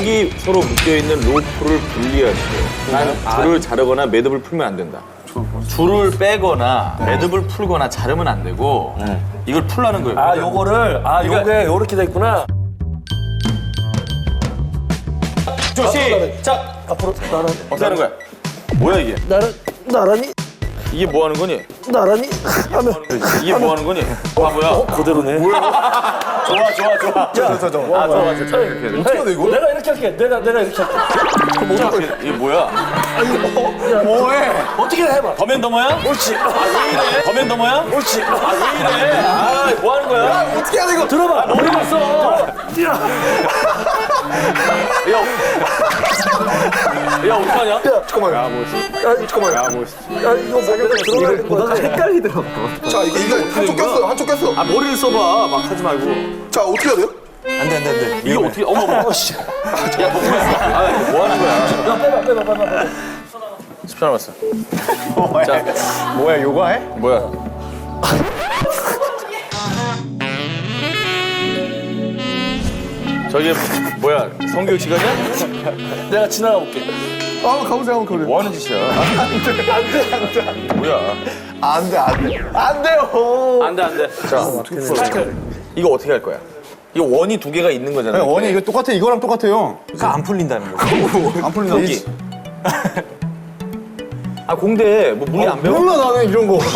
짝이 서로 묶여있는 로프를 분리하세요. 난 줄을 자르거나 매듭을 풀면 안 된다. 줄을 빼거나 매듭을 풀거나 자르면 안 되고 이걸 풀라는 거예요. 아, 요거를 요게 요렇게 돼 있구나. 시작! 앞으로 나란 어떻게 하는 거야? 뭐야 이게? 나란히 이게 뭐 하는 거니? 나란히 하면 이게 뭐 하는 거니? 바보야. 그대로네. 좋아. 이렇게 해야 돼. 어떻게 돼 이거? 내가 이렇게 할게. 내가 이렇게 할게. 이게 뭐야? 뭐해? 어떻게 해봐. 더맨더머야? 옳지. 왜 이래? 더맨더머야? 옳지. 왜 이래? 뭐 하는 거야? 어떻게 하는 이거? 들어봐. 머리 봤어. 야, 어떡하냐? 잠깐만. 야, 뭐. 잠깐만. 야, 뭐. 야, 이거 들어가야 보다 헷갈리더라고. 자, 이거 한쪽 꼈어, 한쪽 꼈어. 아, 머리를 써봐. 막 하지 말고. 자, 어떻게 해야 돼요? 안 돼. 이게 어떻게, 어머, 씨. 야, 뭐 하는 거야? 야, 빼봐. 10초 남았어. 자, 뭐야, 요가 해? 뭐야? 저기, 뭐야, 성교육 시간이야? 내가 지나가 볼게. 가보세요, 한번 뭐 하는 짓이야? 안 돼. 뭐야? 안 돼. 안 돼요. 안 돼. 자, 이거 어떻게 할 거야? 이거 원이 두 개가 있는 거잖아. 원이 이거 똑같아, 이거랑 똑같아요. 그러니까 안 풀린다는 거. 안 풀린다. 여기. 아, 공대, 뭐, 물리 안 배워? 몰라, 나는 이런 거.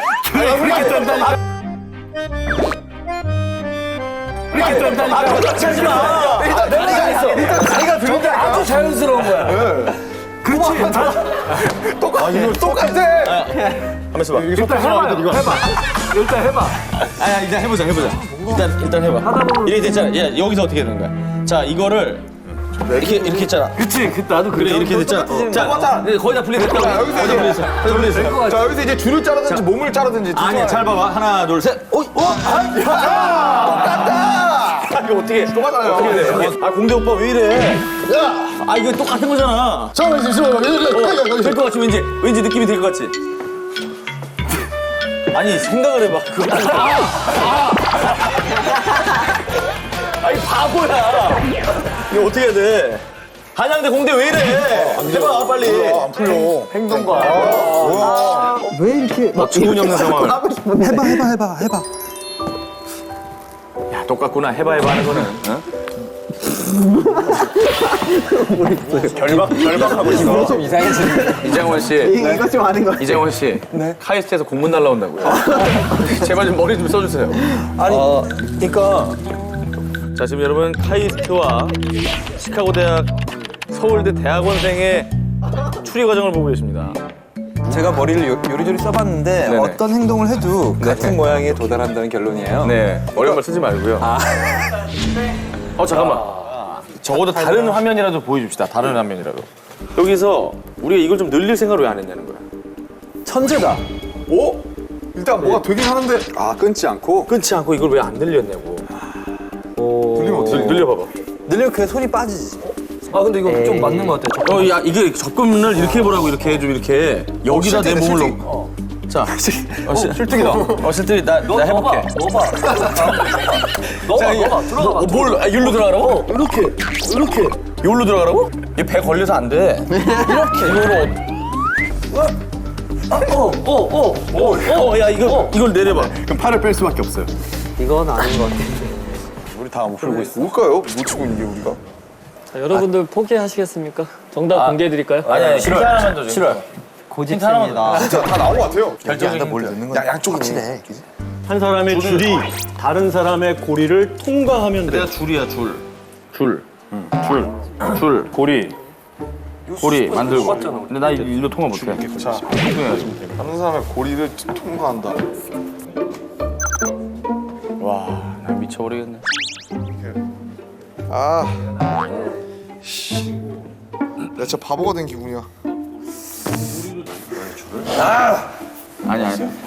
같이 하지 마. 일단 내가 했어. 일단 자기가 들은데 아주 자연스러운 거야. 그렇지. 이거 똑같아. 하면서 봐. 일단 해봐. 아야, 일단 해보자. 일단 해봐. 이렇게 됐잖아. 야, 여기서 어떻게 되는 거야? 자, 이거를 이렇게 했잖아. 그치. 나도 그래, 이렇게 됐잖아. 자, 거의 다 분리됐다고. 자, 여기서 이제 분리됐어. 자, 여기서 이제 줄을 자르든지 몸을 자르든지. 아니야, 잘 봐봐. 하나, 둘, 셋. 똑같다. 이거 어떻게 똑같아요. 어떻게 돼? 아, 공대 오빠 왜 이래? 아, 이거 똑같은 거잖아. 잠깐만, 될 것 같지, 왠지 느낌이 될 것 같지? 아니, 생각을 해봐. 그거. 아니, 바보야. 이거 어떻게 해야 돼? 한양대 공대 왜 이래? 해봐, 빨리. 안 풀려. 행동과. 왜 이렇게. 충분히 없는 상황을. 해봐. 야, 똑같구나. 해봐 하는 거는. 어? 결박하고 있어. 좀 이상해지네. 이장원 씨. 이거 좀 아닌 거. 이장원 씨. 카이스트에서 공문 날라온다고요. 제발 좀 머리 좀 써주세요. 아니, 그러니까 자, 지금 여러분 카이스트와 시카고 대학 서울대 대학원생의 추리 과정을 보고 계십니다. 제가 머리를 요리조리 써봤는데 네네. 어떤 행동을 해도 같은 모양에 도달한다는 결론이에요. 네, 어려운 말 쓰지 말고요. 잠깐만. 적어도 다른 화면이라도 보여줍시다. 다른 화면이라도. 여기서 우리가 이걸 좀 늘릴 생각을 왜 안 했냐는 거야. 천재다. 오? 일단 뭐가 되긴 하는데. 끊지 않고. 끊지 않고 이걸 왜 안 늘렸냐고. 들리면 어떻게 늘려봐봐. 늘리면 그 손이 빠지지. 근데 이거 좀 맞는 것 같아. 야, 이게 접근을 이렇게 해보라고 이렇게 좀 이렇게 여기다 내 몸을 넣고. 자, 실뜨기다. 실뜨기 나 해볼게. 넣어봐. 들어가. 뭘 율로 들어가라고? 이렇게. 율로 들어가라고? 이게 배 걸려서 안 돼. 이렇게 이거로. 야, 이걸 내려봐. 그럼 팔을 뺄 수밖에 없어요. 이건 아닌 것 같아. 우리 다 못 풀고 있어. 뭘까요? 놓치고 있는 게 우리가. 자, 여러분들 포기하시겠습니까? 정답 공개해드릴까요? 아니, 힌트 하나만 더 줘. 싫어요. 고집입니다. 진짜 다 나온 것 같아요. 결정적인 뭘 힌트. 넣는 거야? 양쪽이네. 한 사람의 줄이 다른 사람의 고리를 통과하면 돼. 내가 줄이야, 줄. 고리 만들고. 근데 나 일로 통화 못해. 자, 다른 사람의 고리를 통과한다. 와, 나 미쳐버리겠네. 나 진짜 바보가 된 기분이야. 아니.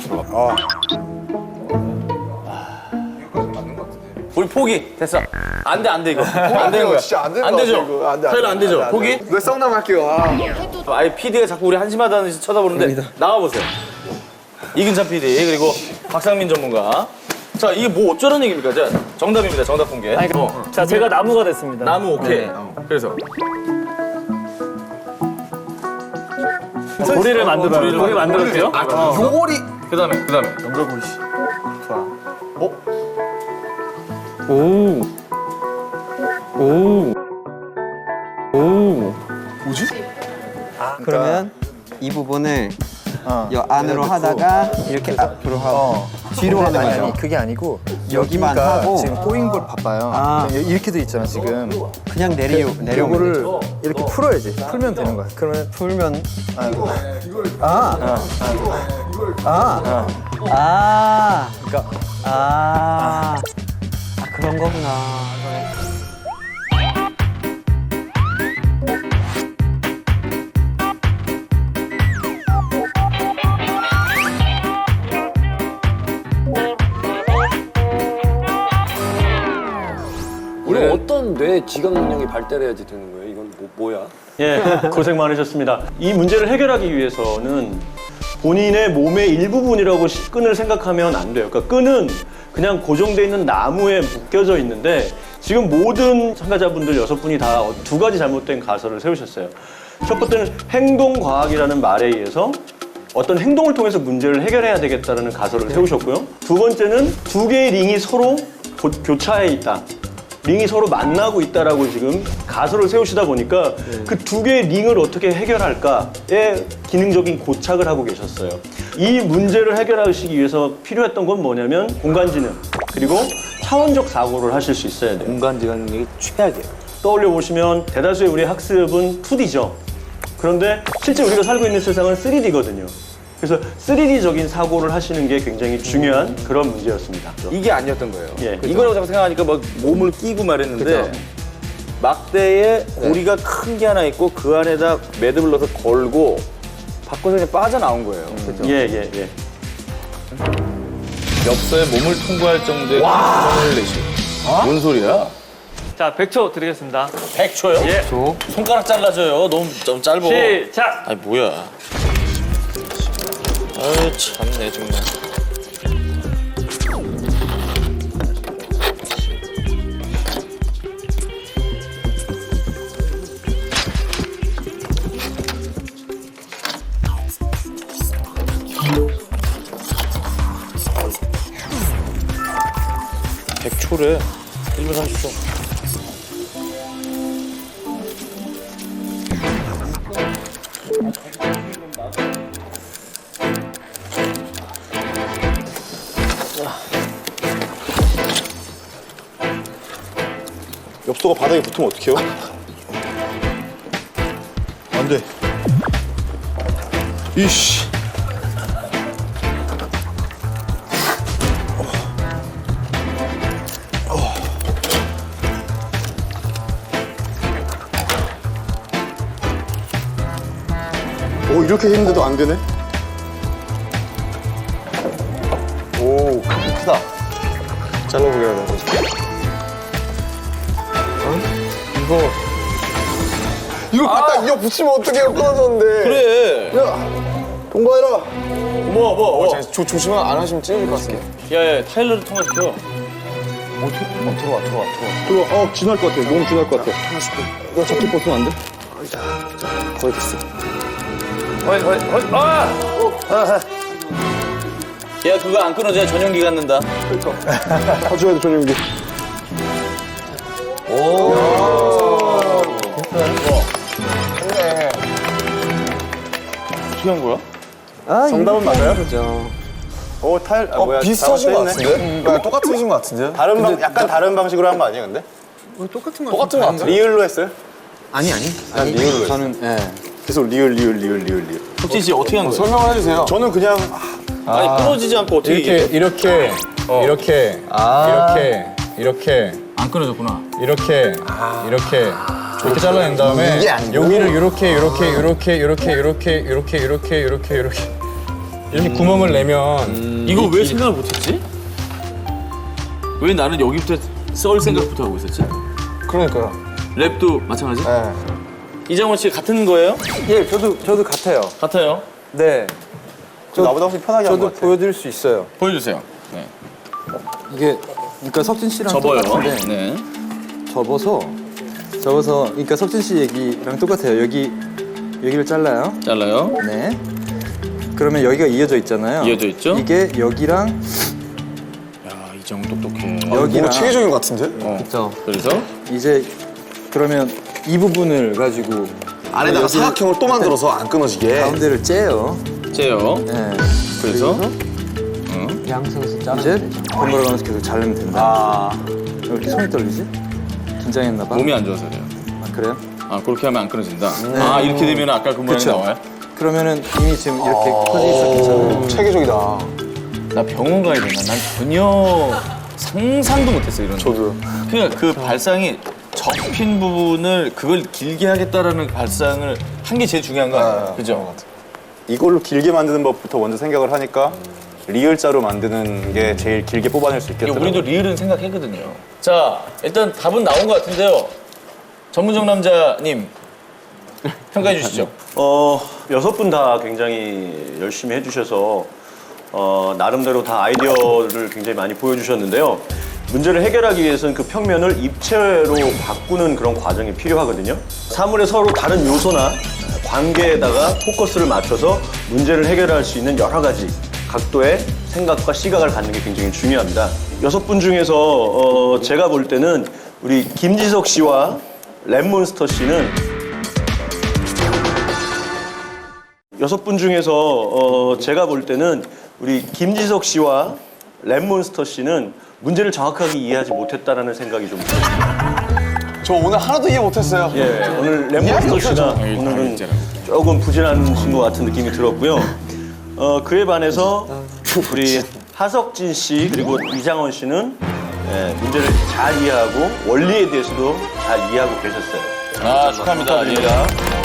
우리 포기. 됐어. 안 돼, 이거. 안 되는 거야. 진짜 안 되는 안 거 되죠? 같아, 이거. 안 돼. 타일러 안 되죠? 포기? 왜 썩남 할게요. 아예 PD가 자꾸 우리 한심하다는 듯이 쳐다보는데 나가보세요. 이근찬 PD 그리고 박상민 전문가. 자, 이게 뭐 어쩌라는 얘기입니까? 자, 정답입니다. 정답 공개. 자, 제가 나무가 됐습니다. 나무 오케이. 그래서 고리를 만들어요. 고리 만들었대요? 요거리. 그다음에 연결고리 씨. 좋아. 뭐지? 그러면 이 부분을 여 안으로 하다가 이렇게 앞으로 하고 뒤로 하는 거죠. 아니 그게 아니고 여기만 여기가 하고 지금 꼬인 걸 봐봐요. 아. 이렇게 돼 있잖아 지금. 그냥 내려오면 요거를 되죠. 이렇게 풀어야지. 풀면 되는 거야. 그러면 풀면 그런 거구나. 이거 어떤 뇌 지각 능력이 발달해야지 되는 거예요? 이건 뭐야? 예, 고생 많으셨습니다. 이 문제를 해결하기 위해서는 본인의 몸의 일부분이라고 끈을 생각하면 안 돼요. 그러니까 끈은 그냥 고정돼 있는 나무에 묶여져 있는데 지금 모든 참가자분들 6분이 다 2가지 잘못된 가설을 세우셨어요. 첫 번째는 행동과학이라는 말에 의해서 어떤 행동을 통해서 문제를 해결해야 되겠다는 가설을 세우셨고요. 두 번째는 2개의 링이 서로 교차해 있다. 링이 서로 만나고 있다라고 지금 가설을 세우시다 보니까 그 2개의 링을 어떻게 해결할까에 기능적인 고착을 하고 계셨어요. 이 문제를 해결하시기 위해서 필요했던 건 뭐냐면 공간지능 그리고 차원적 사고를 하실 수 있어야 돼요. 공간지각력이 최악이에요. 떠올려 보시면 대다수의 우리 학습은 2D죠. 그런데 실제 우리가 살고 있는 세상은 3D거든요. 그래서 3D적인 사고를 하시는 게 굉장히 중요한 그런 문제였습니다. 이게 아니었던 거예요. 예. 이거라고 자꾸 생각하니까 막 몸을 끼고 말했는데 막대에 고리가 큰 게 하나 있고 그 안에다 매듭을 넣어서 걸고 바꿔서 그냥 빠져나온 거예요. 그죠? 예. 엽서에 몸을 통과할 정도의 힘을 내시. 뭔 소리야? 자, 100초 드리겠습니다. 100초요? 예. 손가락 잘라줘요. 너무 좀 짧아. 시작! 아니 뭐야? 아유 참내 정말. (100초래) 1분 30초. 엽서가 바닥에 붙으면 어떡해요? 안 돼. 이씨. 이렇게 했는데도 안 되네? 오, 크다. 잘라보게 해야 돼. 이거 갖다 이어 붙이면 어떡해요? 끊어졌는데. 그래. 야, 통과해라. 뭐. 조심만 안 하시면 찢어질 것 같습니다. 야야 타일러를 통과시켜. 들어와. 지날 것 같아. 너무 지날 것 같아. 하나씩. 이거 잡기 벗으면 안 돼? 거의 됐어. 야 그거 안 끊어져야 전용기 갖는다. 가져야 돼, 전용기. 어떻게 한 거야? 정답은 맞아요? 그죠. 비슷하신 것 같은데? 똑같으신 것 같은데? 약간 다른 방식으로 한 거 아니에요, 근데? 똑같은 것 같아. 리을로 했어요? 아니. 난 리을로 했어요. 저는 계속 리을. 혁진 씨 어떻게 한 거야? 설명을 해주세요. 저는 그냥 아니 끊어지지 않고 어떻게 이렇게 안 끊어졌구나. 이렇게 잘라낸 다음에 이게 아니고. 여기를 이렇게 구멍을 내면 이거 왜 생각을 못했지? 왜 나는 여기부터 썰 생각부터 하고 있었지? 그러니까요. 랩도 마찬가지? 네. 이장원 씨 같은 거예요? 예, 저도 같아요. 같아요. 네, 나보다 훨씬 편하게 한 것 저도 같아. 보여드릴 수 있어요. 보여주세요. 네. 이게 그러니까 석진 씨랑 접어요. 똑같은데 네. 접어서 접어서 그러니까 석진 씨 얘기랑 똑같아요. 여기를 잘라요. 잘라요. 네. 그러면 여기가 이어져 있잖아요. 이어져 있죠? 이게 여기랑 야, 이정 똑똑해. 여기랑 체계적인 것 같은데? 그렇죠. 그래서 이제 그러면 이 부분을 가지고 안에다가 사각형을 또 만들어서 안 끊어지게. 가운데를 째요. 째요. 네. 그래서 양손에서 이제 자르면 되죠. 번갈아 가면서 계속 자르면 된다. 아, 왜 이렇게 손이 떨리지? 긴장했나 봐. 몸이 안 좋아서 그래요. 아, 그래요? 아, 그렇게 하면 안 끊어진다. 아, 이렇게 되면 아까 그 모양이 그쵸. 나와요? 그러면 이미 지금 이렇게 퍼져 있었잖아요. 체계적이다. 나 병원 가야 되나? 난 전혀 상상도 못했어, 이런. 저도. 그러니까 그 발상이 접힌 부분을 그걸 길게 하겠다라는 발상을 한 게 제일 중요한 거 아니에요? 그죠? 이걸로 길게 만드는 법부터 먼저 생각을 하니까 리을자로 만드는 게 제일 길게 뽑아낼 수 이게 있겠더라고요. 우리도 리을은 생각했거든요. 자, 일단 답은 나온 것 같은데요. 전문정 남자님, 평가해 주시죠. 6분 다 굉장히 열심히 해주셔서 나름대로 다 아이디어를 굉장히 많이 보여주셨는데요. 문제를 해결하기 위해서는 그 평면을 입체로 바꾸는 그런 과정이 필요하거든요. 사물의 서로 다른 요소나 관계에다가 포커스를 맞춰서 문제를 해결할 수 있는 여러 가지 각도의 생각과 시각을 갖는 게 굉장히 중요합니다. 6분 중에서 제가 볼 때는 우리 김지석 씨와 랩몬스터 씨는 6분 중에서 제가 볼 때는 우리 김지석 씨와 랩몬스터 씨는 문제를 정확하게 이해하지 못했다라는 생각이 좀 들어요. 저 오늘 하나도 이해 못했어요. 예, 오늘 랩몬스터 씨가 오늘은 조금 부진하신 것 같은 느낌이 들었고요. 그에 반해서 우리 하석진 씨 그리고 이장원 씨는 문제를 잘 이해하고 원리에 대해서도 잘 이해하고 계셨어요. 아, 축하합니다.